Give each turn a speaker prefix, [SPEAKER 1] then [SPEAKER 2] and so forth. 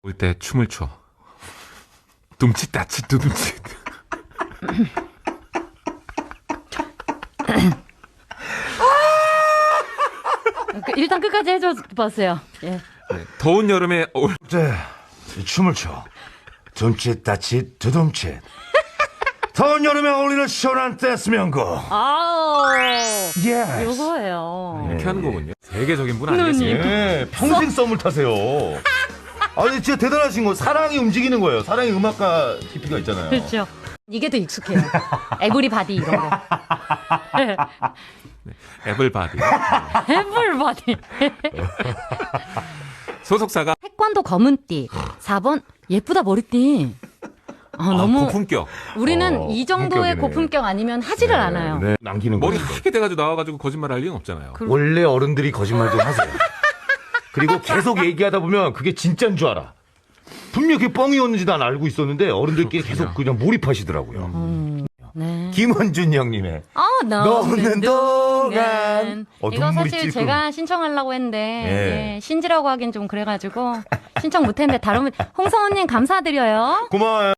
[SPEAKER 1] 올 때 춤을 춰. 둠칫 따칫 두둠칫.
[SPEAKER 2] 일단 끝까지 해줘 봤어요. 예.
[SPEAKER 1] 네, 더운 여름에
[SPEAKER 3] 네, 이 춤을 춰. 둠칫 따칫 두둠칫. 더운 여름에 어울리는 시원한 댄스 명곡.
[SPEAKER 2] 아우,
[SPEAKER 3] 예스.
[SPEAKER 2] 요거예요.
[SPEAKER 1] 이렇게 하는 거군요. 세계적인 분 아니겠습니까?
[SPEAKER 3] 예, 평생 썸을 타세요. 아니 진짜 대단하신 거. 사랑이 움직이는 거예요. 사랑이 음악가 깊이가 있잖아요.
[SPEAKER 2] 그렇죠. 이게 더 익숙해요. 에브리바디 이런 거.
[SPEAKER 1] 애블바디.
[SPEAKER 2] 에브리바디.
[SPEAKER 1] 소속사가
[SPEAKER 2] 태권도 검은띠. 4번 예쁘다 머리띠. 너무
[SPEAKER 1] 고품격.
[SPEAKER 2] 우리는 이 정도의
[SPEAKER 3] 고품격이네.
[SPEAKER 2] 고품격 아니면 하지를 않아요.
[SPEAKER 3] 네, 남기는
[SPEAKER 1] 머리
[SPEAKER 3] 거죠.
[SPEAKER 1] 하게 돼가지고 나와가지고 거짓말할 리는 없잖아요.
[SPEAKER 3] 원래 어른들이 거짓말 좀 하세요. 그리고 계속 얘기하다 보면 그게 진짜인 줄 알아. 분명 그게 뻥이었는지 난 알고 있었는데 어른들끼리 계속 그냥 몰입하시더라고요.
[SPEAKER 2] 네.
[SPEAKER 3] 김원준 형님의
[SPEAKER 2] 넣는
[SPEAKER 3] 동안.
[SPEAKER 2] 이거
[SPEAKER 3] 눈물이
[SPEAKER 2] 사실
[SPEAKER 3] 찔끔.
[SPEAKER 2] 제가 신청하려고 했는데
[SPEAKER 3] 예.
[SPEAKER 2] 예, 신지라고 하긴 좀 그래가지고 신청 못했는데 다른 홍성원님 감사드려요.
[SPEAKER 3] 고마워요.